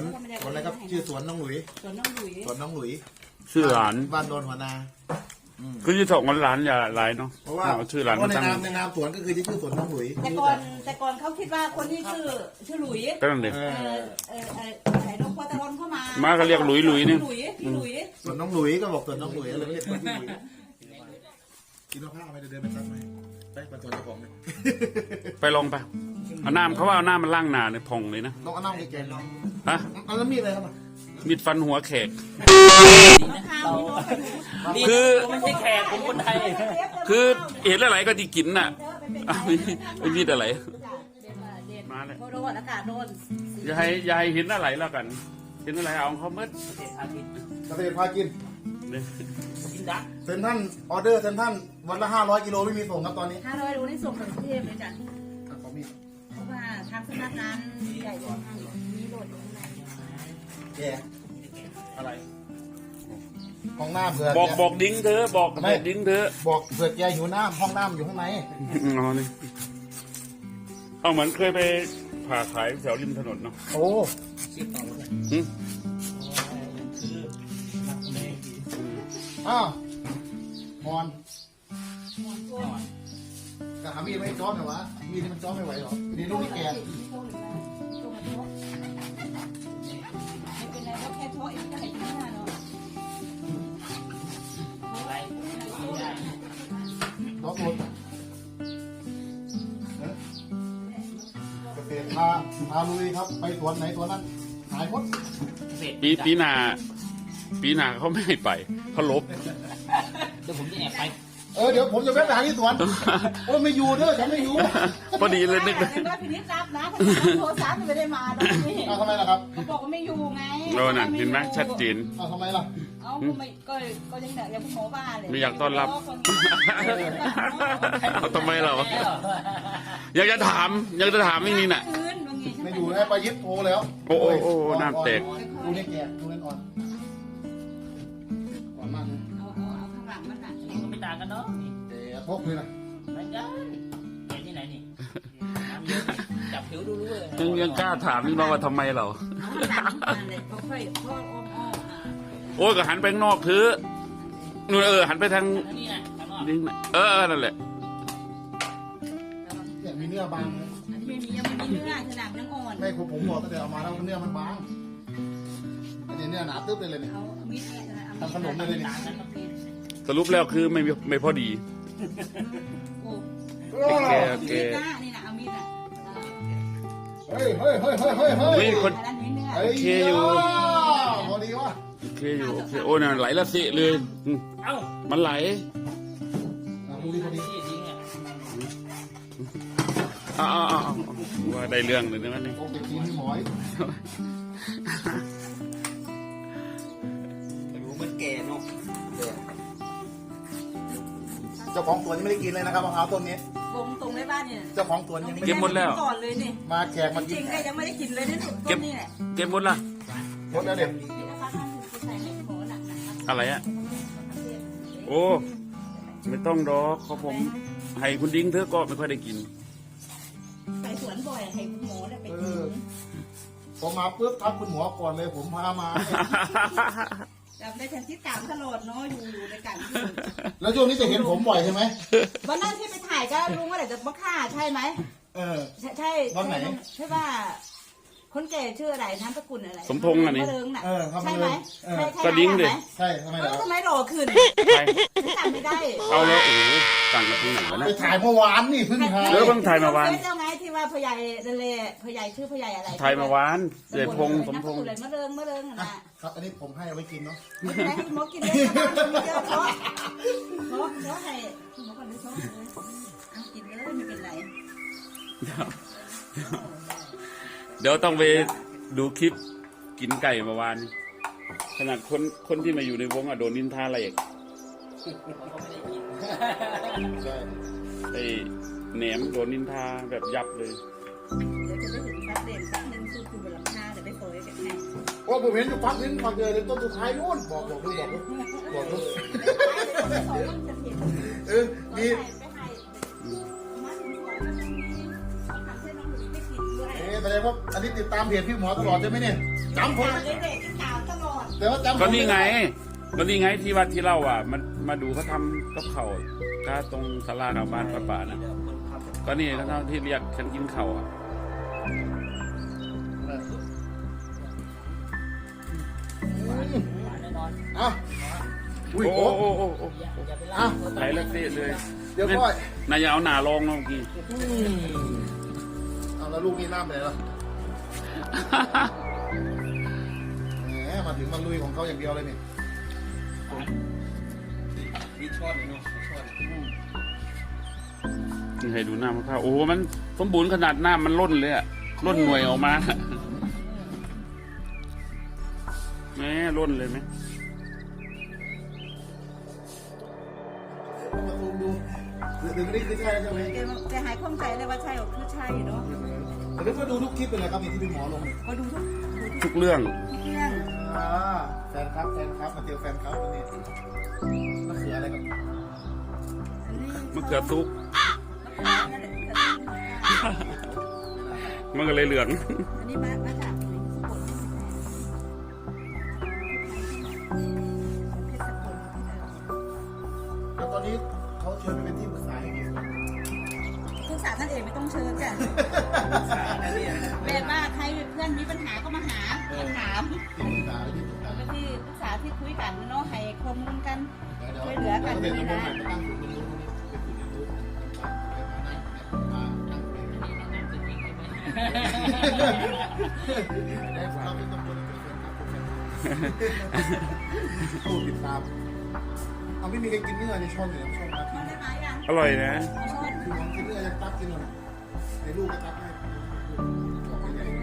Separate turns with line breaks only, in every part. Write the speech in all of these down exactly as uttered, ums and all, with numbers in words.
วนสวนอะไรครับชื่อสวนน้องหลุย
สวนน้องหลุย
สวนน้องหลุย
ชื่อหลาน
บ้านโดนหัวนา
คือที่สองหลานอย่าหลายเนาะ
เพราะว่า
ชื่อหลาน
ในนามในนามสวนก็คือที่ชื่อสวนน้องหลุย
แต่ก่อนแต่ก่อนเขาคิดว่าคนที่ชื่อชื่อหลุย
ก็นั่นเอง
เออเออไอ้นกพอตะวันเข้ามา
มาก็เรียกหลุยหลุยนี่
หลุยพี่หลุย
สวนน้องหลุยก็บอกสวนน้องหลุยเลยเรียกคนที่หลุยกินมะพร้าวไปเดินไปซักไหมไปเป็นสวนเจ้าของเลย
ไปลองไปเอาน้ำเขาว่าเอาน้ำมันล่างหนาเนี่ยพองเลยนะ
ลองเอาน้ำในแกงลอง
ฮะ
เอาแล้วมีอะไรครับ
มีดฟันหัวแขก
คือไม่ใช่แขกผมคนไทย
คือเห็นอะไรก็ที่กินน่ะไม่ไม่มีอะไรมาเลย
โดนอากาศโดน
อย่าให้อย่าให้เห็นอะไรแล้วกันเห็นอะไรเอาเขาเมื่อ
เกษตรพากิน
กินดัก
เซนท่านออเดอร์เซนท่านวันละห้าร้อยกิโลไม่มีส่งครับตอนนี้
ห้าร้อยโลนี่ส่งถึงกรุงเทพเลยจ้ะ
ขอมี
เพราะว่าทางสำนักงานใหญ่กว่ามีโหลดอยู่ข้างใน
แก
อะไร
ห้องน้ำเผื่อ
บอกบอกดิ้งเธอบอกบอกดิ้งเธอ
บอกเผื่อแกหิวน้ำห้องน้ำอยู่ข้างใน
อ๋อนี่เอาเหมือนเคยไปผ่าขายแถวริมถนนเนาะ
โอ้อ้าวมอนกะหามีดไม่จ้อมเหรอวะมีดมันจ้อมไม่ไหวหรอนี่ลูกนี่แก
ไม่เป็นไรก็แค่โทษเองก็ให้กินหน้าเนาะ
ล็อกรถเกษตรพาพาลุยครับไปสวนไหนสวนนั้นหายหมด
ปีปีหน้าปีหน้าเขาไม่ให้ไปเขาลบ
เดี๋ยวผมจะแอบไป
เออเดี๋ยวผมจะแวะไปหาที่สวนโอ้ไม่อยู่เด้อฉันไม่อยู่
พอดีเลยนึก
เลยว่าพี่นิดรับนะโทรศัพท์ไม่ได้มาตอนนี้
เอาทำไมล่ะครับ
เขาบอกว่าไม่อยู่ไง
โอ้นั่นเห็นไหมชัดเจน
เอาทำไมล่ะ
เอาไม่ก็ก็ยังแต่ยังหมอบ้าเลย
ไม่อยากต้อนรับเอาทำไมเราอยากจะถามอยากจะถามไม่มีน่ะ
ไม่อยู่ให้ไปยึดโพแล้ว
โอ้โอ้โอ้น้ำแตก
ดูนี่แกดูนี่อ่อนอ่อนมาก
เอาเอาเอาข้างหลังมันน่ะ
ก็ไม่ต่างกันเนาะ
เดี๋ยวพกเลยนะ
ไม่ได้ไปที่ไหนนี่จับผิวดูรู้เลย
ยังยังกล้าถามนี่น้องว่าทำไมเราโอ้ก็หันไปนอกคือนู่นเออหันไปทางนี่เออนั่นแหละ
เนี่ยมีเนื้อบาง
อันนี้ไม่มียังไม่มีเนื้อขนาดยังอ่อน
ไม่ผมผมบอกตั้งแต่เอามาแล้วเนื้อมันบางอันนี้เนื้อหนาตึ๊บเลยเลยเนี่ยทำขนมเลยเนี่ย
สรุปแล้วคือไม่ไม่พอดี
โอ้
แกแก
นี่นะเอามีดอ่ะ
เฮ้ยเฮ้ยเฮ้ยเฮ้ยเฮ้ยเฮ้ย
คนโอเคอยู่
พอดีวะ
โอเคอยู่โอเคโอ้น่ะไหลละสิเลย
เอ้า
มันไหล
พอดีพอดี
อ้าวอ้าวว่าได้เรื่องเลยนะนี่
โอ้ไปกินหมอย
ไม่รู้มันแก่เนาะ
เจ้าของสวนยังไม่ได้กินเลยนะครับมะพร้าวต้นนี้
วงตรงในบ้านเนี่ย
เจ้าของสวนยังไม่
เก็บหมดแล้ว
ก่อนเลยนี่
มาแขกมา
จริงๆยังไม่ได้กินเลยนี่ต้นนี่แหละ
เก็บหมดละ
หมดแล้วเด็ก
อะไรอ่ะโอ้ไม่ต้องดอกเขาผมให้คุณดิ้งเธอก็ไม่ค่อยได้กิน
ไปสวนบ่อยให้คุณหมอได้ไปกิน
พอมาปุ๊บทักคุณหมอก่อนเลยผมพามา
จำได้แทนที่ตามตลอดเนาะอยู่อยู่ในการ
แล้วช่วงนี้จะเห็นผมบ่อยใช่ไหม
วันนั้นที่ไปถ่ายก็ลุงว่าเดี๋ยวจะมาฆ่าใช่ไหม
เออ
ใช่ใช่
วันไหน
ใช่ว่าคนแก่ชื่ออะไรนามสกุลอะไร
สมพงษ์อันนี้
ใช่ไหม
ก็
ดิ้งดิ
ใช่ทำไมล่ะ
ทำไมหล่อขึ้นจำไม่ได้
เอาแล้วโอ้ต่างกับตรงไหนวะเนี่ย
ไปถ่ายเมื่อวานนี่เพิ่งถ่าย
แล้วเพิ่งถ่ายเมื่อวาน
เจ้าไงที่ว่าพ่อใหญ่เล่พ่อใหญ่ชื่อพ่อใหญ่อะไร
ถ่ายเมื่อวานเด็ดพงสมพงษ์
เลยมะเริงมะเริงนะครับ
อันนี้ผมให้เอาไปกินเนาะ
ไม่เป็นไรหมอกินเลยเยอะเพราะเพราะเพราะให้หมอก่อนเลยเพราะเอากินเลยไม่เป็นไร
เดี๋ยวต้องไปดูคลิปกินไก่เมื่อวานขนาดคนคนที่มาอยู่ในวงอะโดนนินทาอะไรอีกไอ้แหนมโดนนินทาแบบยับเลย
เดี๋ยวจะได้เห็นซักเด่นซักหนึ่งคือคือบนหลังคาเดี๋ยวไปโปรยกันให้
ว่าผมเห็นอยู่พักนึงพักเดียวเลยต้นสุดท้ายนู่นบอกบอกดูบอกดูบอกดูเออดีเอ๊ะแต่ดงว่าอันนี้ติดตามเพจพี่หมอตลอดใช่ไหมเนี่ยจำผม
เด็กๆถามตลอด
แต่ว่าจำผม
ก็นี่ไงก็นี่ไงที่วัดที่เล่าอ่ะมันมาดูเขาทำกับเขาวก็ตรงศาลากลางบ้านป่าๆนะก็นี่เขาที่เรียกฉันกินเขาวอ่ะ
แน่นอน
อ่ะอุ้ย
โอ้
โอ้
โอ้โอ้โอ้
อย่าไป
อ่ะ
ล่า
ไหลเล็กนิดเลย
เดี๋ยวพ่อย
นายอย่าเอาหนาลองนะเมื่อกี้
เอาแล้วลูกนี่น้ำไปไหนล่ะแหมมาถึงมันลุยของเขาอย่างเดียวเลยนี่
มีช้อนเลยเนาะช้อน
นี่ให้ดูหน้ามะพร้าวโอ้โหมันสมบูรณ์ขนาดหน้ามันล้นเลยอะล้นหน่วยออกมาแม่ล้นเลยไหม
มาซูมดูเดี๋ยวนี้คือใช่ใช่ไหม
แกแกหายข้องใจเลยว่าใช่หรือคือใช่เนาะ
แต่ก็ดูทุกคลิปเป็นไรครับนี่ที่พี่หมอลงเนี่ย
ก็ดูทุกดูทุก
ทุกเรื่อง
เรื่อง
อ่าแฟนครับแฟนครับมาเจอแฟนครับวันนี้มะเขืออะไรกัน
มะเขือซุก
อันนี้
มันก็เลยเหลือง
มามาจากสกลเพชรสกล
แล้วตอนนี้เขาเชิญไปเป็นที่ปรึกษาอย่างเงี้ย
ทุกสาท่านเอกไม่ต้องเชิญจ้ะแบบว่าใครเพื่อนมีปัญหาก็มาหามาถาม
ที่ปรึกษาที่ปรึกษา
แล้วก็ที่ปรึกษาที่คุยกันเนาะให้ข้อมูลกัน
ช่วยเหลือกันนี่นะตั้งศูนย์เรียนรู้เป็นศูนย์เรียนรู้มานั่งเป็นได้ฟังเป็นตำรวจเป็นครับผมผู้ติดตามเอาไม่มีใครกินเนื้อในช่องเลยช่องนะ
ชอบได้ไหมอ่ะ
อร่อยนะ
ชอบ
คือผมกินเนื้อจะตักกินหน่อยในลูกก็ตักให้บอกไม่ใหญ่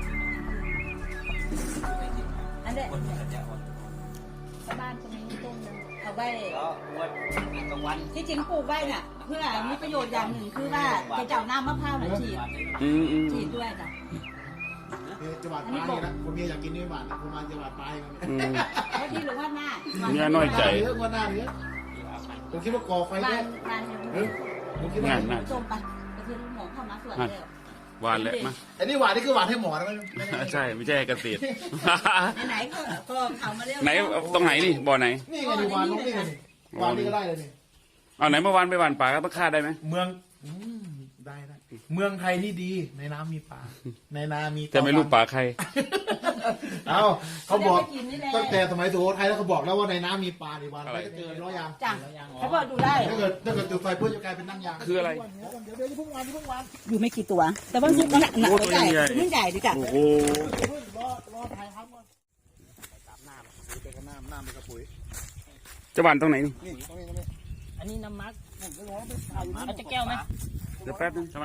อันเด็ดบ้านจะมีต้นนึงเอาไว้
แล้ววันกลางวัน
ที่จริงปลูกไว้น่ะเพื่อมีประโยชน์อย่างหนึ่งคือว่าจะเจ้าน้ำมะพร้าวน่ะฉีด
อืมอืม
ฉีดด้วยจ้ะ
จังหวัดปลายนะผมเมียอยากกินเนื้อหวานผมมาจังหวัดปลายกัน
อืม
เพราะที่หรือว่าหน้า
เมียน้อยใจ
เยอะกว่าหน้าเนื้อผมคิดว่าก่อไฟ
บ้า
ได้
นบ้านเห็น
เฮ้ยผมคิดว่า
งานน่ะ
ส้มไปก็คือหมอเข้ามาสวนแล้ว
หวานแหละมา
อันนี้หวานนี่คือหวานให้หมอนะไม่ใช่
ใช่ไม่ใช่เกษตร
ไหนๆก็ก็เขามาเรียก
ไหนตรงไหนนี่บ่อไหน
นี่ไงหวานน้องนี่ไงหวานนี่ก็ได้เลยนี่
เอาไหนเมื่อวานไปหวานป่าก็ต้องฆ่าได้ไหม
เมืองได้ได้เมืองไทยนี่ดีในน้ำมีปลาในนามี
แต่ไม่รู้ป่าใคร
เอาเขาบอกตั้งแต่สมัยสุโขทัยแล้วเขาบอกแล้วว่าในน้ำมีปลาในวันไปก็เจอร้อยยาง
จ้ะเขาบอกดูได้
ถ้าเกิดถ้าเกิดจุดไฟเพื่อจะกลายเป็นนั่งยาง
คืออะไร
เดี๋ยวเดี๋ยวเพิ่งวันเพิ่งวัน
อยู่ไม่กี่ตัว แต่ว่าซุปมันหนักหนักใหญ่มันใหญ่ดิจ้ะ
โอ้โห
รอรอถ่ายครับก่อนตามน้ำเป็นกระน้ำน้ำเป็นกระปุ๋ย
จะหวานตรงไหนนี่
นี่ตรงนี้ตรงนี้
อันนี้น้ำมักผมก็ร้องไปเอาเอาจะแก้วไหม
เดี๋ยวแป๊บนึงทำไม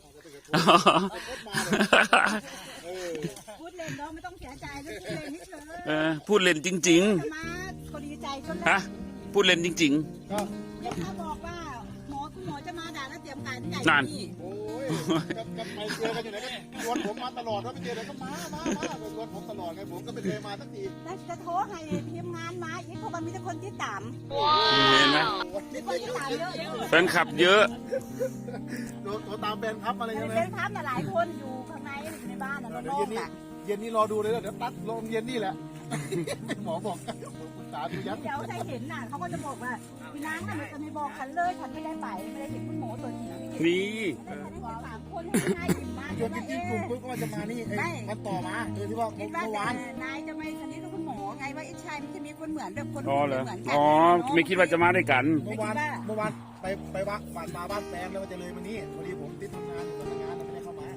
พูดเล่นเนาะไม่ต้องเสียใจไม่พูดเล่นเฉย
เออพูดเล่นจริง
ๆมาก็ดีใจจน
ๆ ฮะ พูดเล่นจริง
ก็
เดี๋ยวเขาบอกว่าหมอคุณหมอจะมาด่าแล้วเตรียมการใหญ่
นั่น
นี่
โอ้ยกับกับไปเจอกันอยู่ไหนก็ชวนผมมาตลอดว่าไปเจอไหนก็มามามาชวนผมตลอดไงผมก็ไม่เคยมาสักที
แล้วจะโทรให้ทีมงานมาอีกเพราะมันมีแต่คนที่ตาม
ๆ เห็นไหม
มีคนที่ตามเยอะ
แฟนคลับเยอะ
โดนตัวตามแบนครับอะไร
ๆ
ใช่ไหม
เป็นพับน่ะหลายคนอยู่ข้างในอยู่ในบ้านน่ะ
เดี๋ยว
โล่
เย็
ง
นนี้
ๆอ่ะ
เย็นนี้รอดูเลยเดี๋ยวตัดลงเย็นนี่แหละ หมอบอกผมปรึกษาดูยัง
เดี๋ยวใครเห็นน่ะเขาก็จะบอกว่าพี่นางน่ะมันจะไม่บอกฉันเลยฉันไม่ได้ไปไม่ได้เห็นคุณหมอตัวจริง
นี่
สามคนให้นายหยิบมา
ชวนจริงๆกลุ่มปุ๊บก็ว่าจะมานี่ไอ้มันต่อมาโดยที่ว่า
คิดว่า
เมื่อวาน
นายจะไม่สนิทกับคุณหมอไงว่าไอ้ชายมันจะมีคนเหมือนแบบคน
อ๋อเหรอ
เหมือนกั
อ๋อ ไม่คิดว่าจะมาด้วยกัน
เมื่อวานเมื่อวานไปไปวัดบ้านมาบ้านแฟนแล้วมันจะเลยมานี่พอดีผมติดทำงานอยู่ทำงานไม่ได้เข้ามา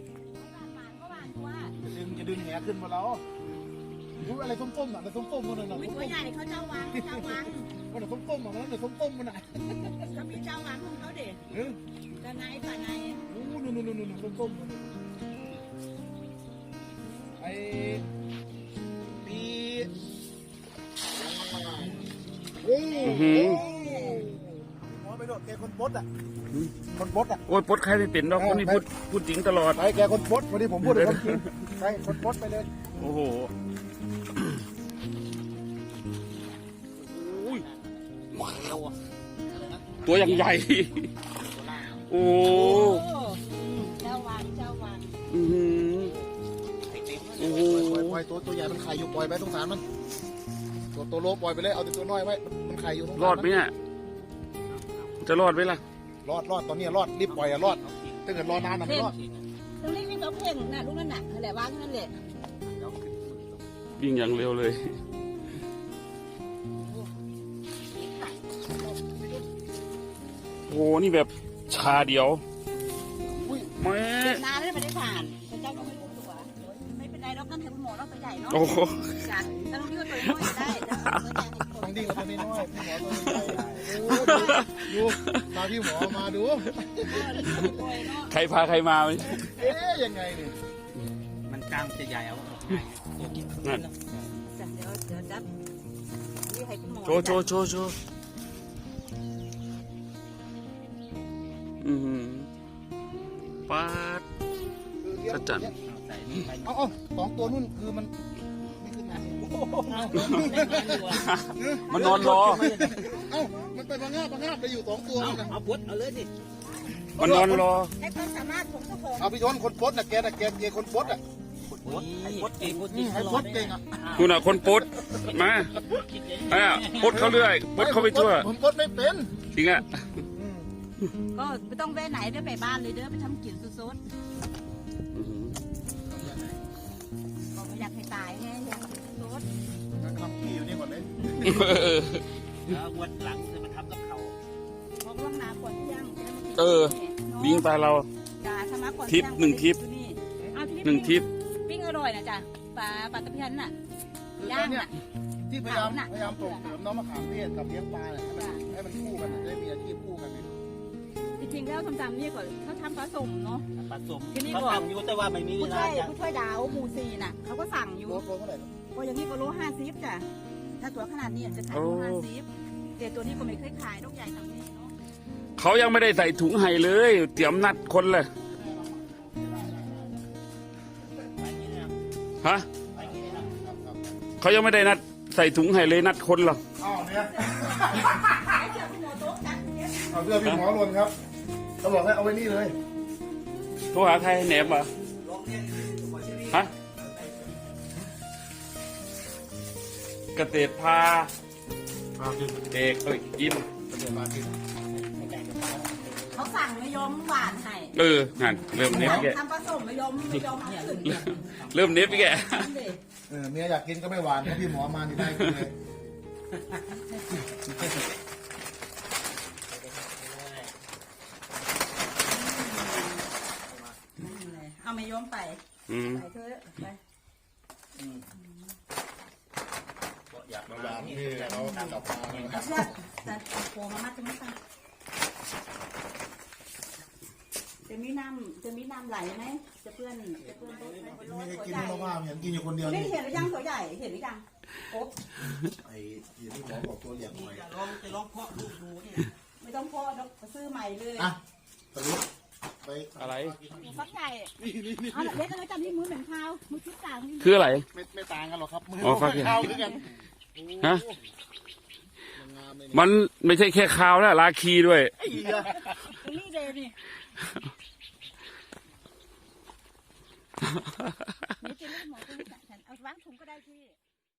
จะดึงจะดึงแหขึ้นมาแล้วรู้อะไรส้มๆอ่ะอะไรส้มๆมันน่ะ
ตัวใหญ่เขาเจ้าวังเจ้าวัง
มันน่ะส้มๆอ่ะมันน่ะส้มๆมันน่ะ
เขามีเจ้าวังของเขาเด็ก
เออ
แต่นายป่านาย
นู่นนู่นนู่นนู่นส้มๆมันไอ้ปีโอ้โหหมอไปโดดแกคนบดอ่ะคนบดอ่ะ
โอ้ยปลดใครไม่เป็นดอกคนนี้พูดพูดจริงตลอด
ไปแกคนบดวันนี้ผมพูดเลยคนจริงไปคนบดไปเลย
โอ้โหอุ้ยตัวอย่างใหญ่ โอ้
เจ้าวังเจ้าวัง
อื้อหือ
ล่อยตัวตัวใหญ่มันไข่อยู่ปล่อยไปสงสารมันตัวตัวโลปล่อยไปเลยเอาแต่ตัวน้อยไว้มันไข่อยู่สงสาร
รอดไหมเนี่ยจะรอดไหมล่ะ
รอดรอดตอนนี้รอดรีบปล่อยอะรอดถ้าเกิดรอนานนะไม่รอด
ตรงนี้มีสองเพ่งน่ะลูกนั่นน่ะนั่นแหละวางนั่นแหละ
วิ่งอย่างเร็วเลยโอ้นี่แบบชาเดียวแม่
นานแล้วไม่ได้ผ่านพระเจ้าก็ไม่รู้ตัวไม่เป็นไรหรอกนั่นให้คุณหมอเราตัวใหญ่เนาะ
โอ้โห
จ้ะแต่ตรงนี้ก็ตัวน้อยได้แต่ตัวใหญ่ให้คน
ทั้งดิ้งกับตัวน้อยพี่หมอตัวใหญ่ดูมาพี่หมอมาดู
ใครพาใครมาไหม
เอ๊ยยังไงเนี่ย
มันกล้ามจะใหญ่เอา
นั่น
จ้ะเดี๋ยวเดี๋ยวจับนี่ให้คุณหมอ
โชว์โชว์โชว์โชว์อือหือปาด สัจจัน
ใส่นี่ไป
เอาเอาสองตัวนู่นคือมันไม่ขึ้นมา
มันนอนรอ
เอ้ามันไปพังงาบพังงาบไปอยู่สองตัวนะ
เอาพุทธเอาเลยสิ
มันนอนรอ
ให้ความสามารถของเจ้าของ
เอาพี่ชนคนปลดน่ะแกน่ะแกแกคนปลดอ่ะ
พุทธไอ้พุทธเก่งพุทธ
นี่ให้ปลดเก่งอ่ะ
คุณอ่ะคนปลดมาอ่ะปลดเขาเรื่อยปลดเขาไปทั่ว
ผมปลดไม่เป็น
จริงอ่ะ
ก็ไม่ต้องไปไหนเด้อไปบ้านเลยเด้อไปทำกินซุดๆก็ไม่อยากให้ตายไงอยากให้ซุด
งั้นทำขี้อยู่นี่ก่อนเลย
แล้วงวดหลังจะมาทำกับเขา
เพราะล่วงหน้าก่อนเที่ยง
เออ วิ่งตายเรา
จ้าถ้ามาก่อน
ทริปหนึ่งทริป
เอาทริป
หนึ่งทริป
ปิ้งอร่อยนะจ้ะปลาปลาตะเพียนน่ะ ย่าง
เนี่ย
น่ะ
ที่พยายามพยายามส่งเสริมน้องมะขามเทศกับเลี้ยงปลาเนี่ยให้มันให้มันคู่กันจะได้มีอาชีพคู่กันไง
จริงๆแล้วทำตามนี่ก่อนเขาทำผสมเนาะ
ผสม
ที่นี่
เขา
ก่อน
ทำอยู่แต่ว่าไม่มีเว
ผู้
ลา
ช่วย
จะ
ผู้ช่วยดาวหมู่สี่น่ะเขาก็สั่งอยู่
โลโลเท่าไหร่ครับ
ก็อย่างนี้ก็โลห้าสิบจ้ะถ้าตัวขนาดนี้จะขายโลห้าสิบแต่ตัวนี้ก็ไม่เคยขายนกใหญ่ทำนี้เนาะ
เขายังไม่ได้ใส่ถุงให้เลย เตรียมนัดคนเลย
ไปนี่นะครับ
ฮะ
ไปนี่นะครับ
เขายังไม่ได้นัดใส่ถุงให้เลยนัดคนหรอก
อ้าวเนี่ย
ขายเสื้อพี่หมอโต๊ะจัดเนี่ย
เอาเสื้อพี่หมอหล่นครับเขาบอกให้เอาไว้นี่เลย
โทรหาใครแหนมเหรอฮะเกษตรพาเอกเอ้ยกิน
เขาสั่งไม่ยอมหวานให้
เออนั่นเริ่มเน็บแก
ทำผสมไม่ยอมไม่ยอมเอาขึ้น
เริ่มเน็บแก
เออเมียอยากกินก็ไม่หวานถ้าพี่หมอมานี่ได้กินเลย
เอาไม่ยอมไป
อืม
ไปเถอะไป
อยาก
มา
มา
หวานนี่เราทำกับปลา
เอาเชือกจะโผล่มามัดตรงนี้ค่ะจะมีน้ำจะมีน้ำไหลไหมจะเพื่อนจะเพื่อนโต๊ะไหม
ไม่ได้กินเพราะว่าเห็นกินอยู่คนเดียว
ไม่
นี่
เห็นหรือยังตัวใหญ่เห็นหรือยังโอ๊บ
ไอ้ที่พี่หมอบอกตัวเหลี่ยมหน่อย
จะลองจะลองเพาะลูกดูเนี่ย
ไม่ต้องพ่อดอกซื้อใหม่เลย
อ่ะสรุปไป
อะไร
ฟักใหญ่เอาละเล็กแล้วจำที่มือเหม็นข้าวมือคิดต่าง
คืออะไร
ไม่ไม่ต่างกันหรอกครับมือ
อ๋อฟักใหญ่
ข้าวคือกัน
ฮะ
มันงามเลย
มันไม่ใช่แค่คาวแล้วลาคีด้วย
ไอ้เหี้ย
ตรงนี้เลยนี่นี่เป็นลูกหมอตรงนี้เอาวางถุงก็ได้พี่